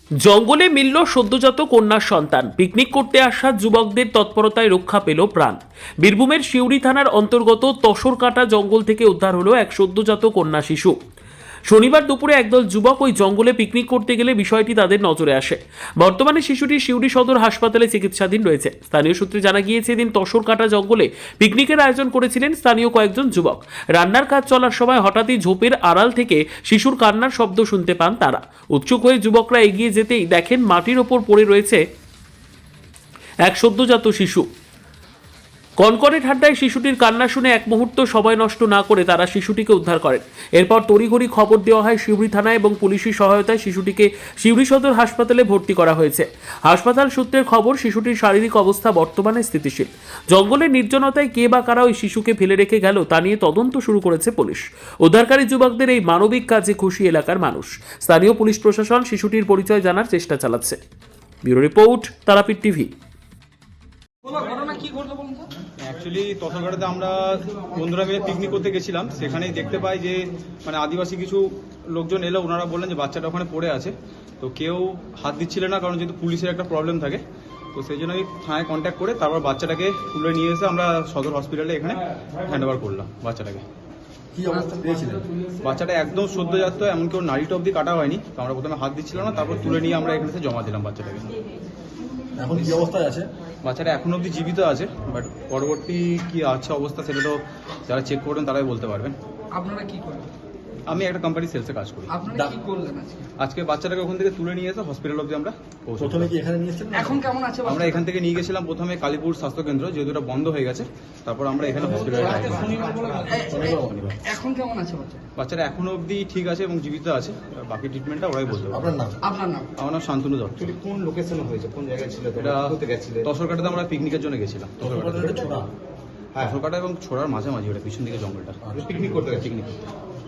জঙ্গলে মিলল সদ্যজাত কন্যার সন্তান। পিকনিক করতে আসা যুবকদের তৎপরতায় রক্ষা পেল প্রাণ। বীরভূমের সিউড়ি থানার অন্তর্গত তসরকাটা জঙ্গল থেকে উদ্ধার হলো এক সদ্যজাত কন্যা শিশু। শনিবার দুপুরে একদল যুবক ওই জঙ্গলে পিকনিক করতে গেলে বিষয়টি তাদের নজরে আসে। বর্তমানে শিশুটি সিউড়ি সদর হাসপাতালে চিকিৎসাধীন রয়েছে। স্থানীয় সূত্রে জানা গিয়েছে, এদিন তসরকাটা জঙ্গলে পিকনিকের আয়োজন করেছিলেন স্থানীয় কয়েকজন যুবক। রান্নার কাজ চলার সময় হঠাৎই ঝোপের আড়াল থেকে শিশুর কান্নার শব্দ শুনতে পান তারা। উৎসুক হয়ে যুবকরা এগিয়ে যেতেই দেখেন মাটির ওপর পড়ে রয়েছে এক সদ্যজাত শিশু। কনকনে ঠান্ডায় শিশুটির কান্না শুনে এক মুহূর্ত সময় নষ্ট না করে তারা শিশুটিকে উদ্ধার করেন। এরপর তড়িঘড়ি খবর দেওয়া হয় সিউড়ি থানায় এবং পুলিশের সহায়তায় শিশুটিকে সিউড়ি সদর হাসপাতালে ভর্তি করা হয়েছে। হাসপাতাল সূত্রের খবর, শিশুটির শারীরিক অবস্থা বর্তমানে স্থিতিশীল। জঙ্গলের নির্জনতায় কে বা কারা ওই শিশুকে ফেলে রেখে গেল তা নিয়ে তদন্ত শুরু করেছে পুলিশ। উদ্ধারকারী যুবকদের এই মানবিক কাজে খুশি এলাকার মানুষ। স্থানীয় পুলিশ প্রশাসন শিশুটির পরিচয় জানার চেষ্টা চালাচ্ছে। Bureau report, Tarapith TV. Actually তসরঘাটাতে আমরা বন্ধুরা মিলে পিকনিক করতে গেছিলাম। সেখানেই দেখতে পাই যে আদিবাসী কিছু লোকজন এলো, ওনারা বললেন যে বাচ্চাটা ওখানে পড়ে আছে। তো কেউ হাত দিচ্ছিল না, কারণ যেহেতু পুলিশের একটা প্রবলেম থাকে। তো সেই জন্য আমি থানায় কন্ট্যাক্ট করে তারপর বাচ্চাটাকে তুলে নিয়ে এসে আমরা সদর হসপিটালে এখানে হ্যান্ড ওভার করলাম বাচ্চাটাকে। কি অবস্থা পেয়েছিলেন? বাচ্চাটা একদম সদ্যজাত, এমনকি ওর নাড়িটা অব্দি কাটা হয়নি। তো আমরা প্রথমে হাত দিচ্ছিলাম না, তারপর তুলে নিয়ে আমরা এখানে জমা দিলাম বাচ্চাটাকে। এখন কি অবস্থায় আছে? বাচ্চাটা এখনো অব্দি জীবিত আছে, বাট পরবর্তী কি আছে অবস্থা সেটা তো যারা চেক করবেন তারাই বলতে পারবেন। আপনারা কি করেন? আমি একটা কোম্পানি সেলসে কাজ করি। আপনারা কি করলেন আজকে বাচ্চাটাকে ওখান থেকে তুলে নিয়ে এসে হসপিটাল অব্দি আমরা পৌঁছে প্রথমে কি এখানে নিয়েছিলেন? এখন কেমন আছে? আমরা এখান থেকে নিয়ে গেছিলাম প্রথমে কালীপুর স্বাস্থ্যকেন্দ্র, যেহেতু এটা বন্ধ হয়ে গেছে। তারপর আমরা এখানে হসপিটালে এখন কেমন আছে বাচ্চা? বাচ্চাটা এখনো অব্দি ঠিক আছে এবং জীবিত আছে। বাকি ট্রিটমেন্টটা ওরাই বলতে পারবে। আপনার নাম? আপনার নাম? আমার নাম শান্তনু দত্ত। কোন লোকেশনে হয়েছে, কোন জায়গায় ছিল? এটা কোথায় গেছিলেন? তসরকাটাতে আমরা পিকনিকের জন্য গেছিলাম। ছোড়া। হ্যাঁ, তসরকাটা এবং ছোড়ার মাঝামাঝি, ওটা পিছন দিকে জঙ্গলটা। পিকনিক করতে গেছে। পিকনিক করতে